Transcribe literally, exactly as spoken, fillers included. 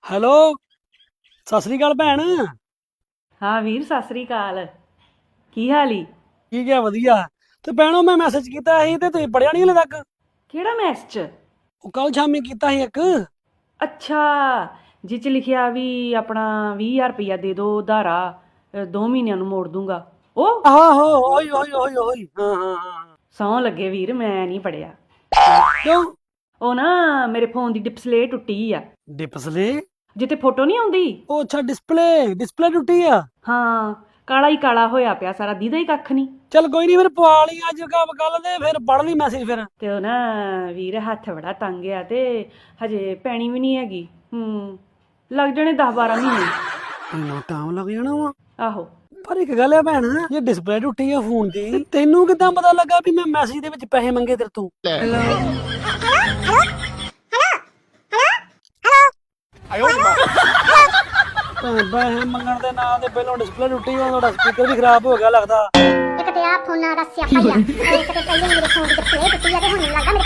Hello, ਸਤਿ ਸ੍ਰੀ ਅਕਾਲ ਭੈਣ। ਹਾਂ ਵੀਰ, ਸਤਿ ਸ੍ਰੀ ਅਕਾਲ। ਕੀ ਹਾਲ ਈ? ਠੀਕ ਹੈ, ਵਧੀਆ। ਤੇ ਭੈਣੋ ਮੈਂ ਮੈਸੇਜ ਕੀਤਾ ਸੀ ਤੇ ਤੁਸੀਂ ਪੜਿਆ ਨਹੀਂ ਹਲੇ ਤੱਕ। ਕਿਹੜਾ ਮੈਸੇਜ? ਉਹ ਕੱਲ ਸ਼ਾਮੀ ਕੀਤਾ ਸੀ ਇੱਕ। ਅੱਛਾ, ਜਿਹ 'ਚ ਲਿਖਿਆ ਵੀ ਆਪਣਾ ਵੀਹ ਹਜ਼ਾਰ ਰੁਪਈਆ ਦੇ ਦਿਓ ਉਧਾਰਾ, ਅ, ਦੋ ਮਹੀਨਿਆਂ ਨੂੰ ਮੋੜ ਦੂੰਗਾ। ਉਹ ਆਹੋ ਆਹੋ, ਉਹੀ ਉਹੀ ਉਹੀ ਉਹੀ, ਹਾਂ ਹਾਂ ਹਾਂ। ਸਹੁੰ ਲੱਗੇ ਵੀਰ, ਮੈਂ ਨਹੀਂ ਪੜਿਆ। ਕਿਉਂ? ਉਹ ਨਾ ਮੇਰੇ ਫੋਨ ਦੀ ਡਿਸਪਲੇ ਟੁੱਟੀ ਆ। ਡਿਸਪਲੇ? ਜਿੱਥੇ ਫੋਟੋ ਨਹੀਂ ਆਉਂਦੀ। ਉਹ ਅੱਛਾ, ਡਿਸਪਲੇ ਡਿਸਪਲੇ ਟੁੱਟੀ ਆ। ਹਾਂ, ਕਾਲਾ ਹੀ ਕਾਲਾ ਹੋਇਆ ਪਿਆ ਸਾਰਾ, ਦੀਦਾ ਹੀ ਕੱਖ ਨਹੀਂ। ਚੱਲ ਕੋਈ ਨਹੀਂ, ਫਿਰ ਪਵਾ ਲਈ ਅੱਜ ਕੱਲ ਦੇ, ਫਿਰ ਪੜ ਲਈ ਮੈਸੇਜ ਫਿਰ। ਤੇ ਉਹ ਨਾ ਵੀਰ ਹੱਥ ਬੜਾ ਤੰਗ ਆ ਤੇ ਹਜੇ ਪੈਣੀ ਵੀ ਨਹੀਂ ਹੈਗੀ। ਹੂੰ, ਲੱਗ ਜਾਣੇ ਦਸ ਬਾਰਾਂ ਮਹੀਨੇ। ਇੰਨਾ ਟਾਈਮ ਲੱਗ ਜਾਣਾ ਵਾ? ਆਹੋ। ਪਰ ਇੱਕ ਗੱਲ ਹੈ ਭੈਣ, ਜੇ ਡਿਸਪਲੇ ਟੁੱਟੀ ਆ ਫੋਨ ਦੀ ਤੇ ਤੈਨੂੰ ਕਿੱਦਾਂ ਪਤਾ ਲੱਗਾ ਵੀ ਮੈਂ ਮੈਸੇਜ ਦੇ ਵਿੱਚ ਪੈਸੇ ਮੰਗੇ ਤੇਰੇ ਤੋਂ? ਭੈਣ, ਪੈਸੇ ਮੰਗਣ ਦੇ ਨਾਂ ਤੇ ਪਹਿਲਾਂ ਡਿਸਪਲੇ ਟੁੱਟੀ, ਉਹ ਤੁਹਾਡਾ ਸਪੀਕਰ ਵੀ ਖਰਾਬ ਹੋ ਗਿਆ ਲੱਗਦਾ। ਇੱਕ ਤੇ ਆ ਫੋਨਾਂ ਦਾ ਸਿਆਪਾ ਹੀ ਆ। ਇੱਕ ਤੇ ਪਹਿਲੇ ਮੇਰੇ ਫੋਨ ਦੀ ਡਿਸਪਲੇ ਟੁੱਟੀ ਆ ਤੇ ਹੁਣ ਮੈਨੂੰ ਲੱਗਦਾ ਮੇਰੇ